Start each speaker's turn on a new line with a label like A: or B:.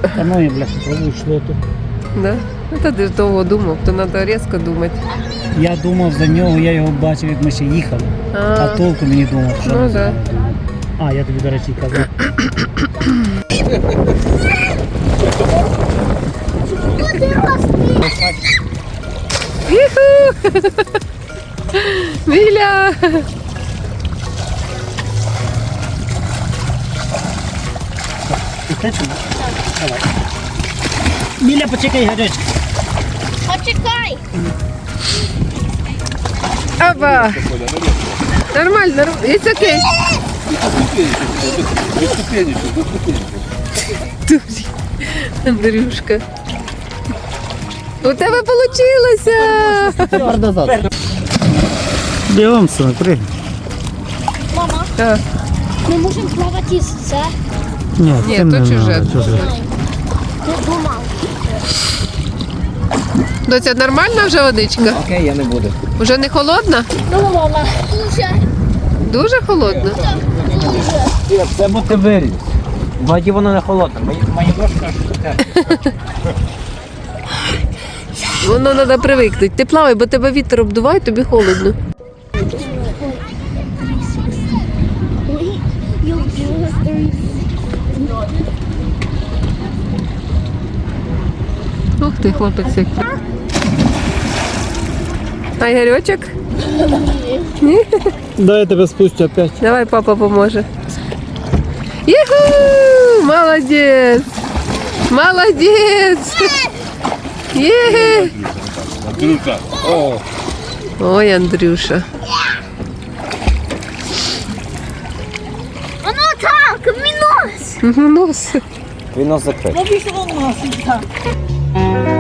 A: Та ну, я, бляха, пробую шлоту.
B: Да? Ну, та ти ж довго думав, то треба різко думати.
A: Я думав за нього, я його бачив, як ми ще їхали. А толку мені думав, що...
B: Ну, да.
A: А, я тобі, до речі, казав.
B: Іху! Міля!
A: Ти хочеш? Давай. Міля, почекай, гарячка.
C: Почекай!
B: Опа! Нормально, нормально. It's okay. Андрюшка. У тебе вийшло!
A: Тепер назад. Бігом, синок, пригай.
C: Мама,
B: Так.
C: ми можемо плавати з це.
A: Ні,
B: Ні,
A: цим
B: то
A: не
B: чуже.
A: надо, чуже.
C: Ти думав.
B: Доця, нормальна вже водичка?
D: Окей, я не буду.
B: Уже не холодна?
C: Ну, мама. Дуже.
B: Дуже холодна?
D: Це бо ти виріс. В воді воно не холодне. Мої ножки
B: Воно треба привикнути. Ти плавай, бо тебе вітер обдуває, тобі холодно. Ух ти, хлопець як. А Ігорьочок?
A: Дай я тебе спустю опять.
B: Давай, папа поможе. Юху! Молодець! Молодець! Є!
E: Андрюша. О,
B: Ой, Андрюша.
C: Воно так, мінус.
B: Нос.
D: Він нас закрив.
C: Я пішов носить так.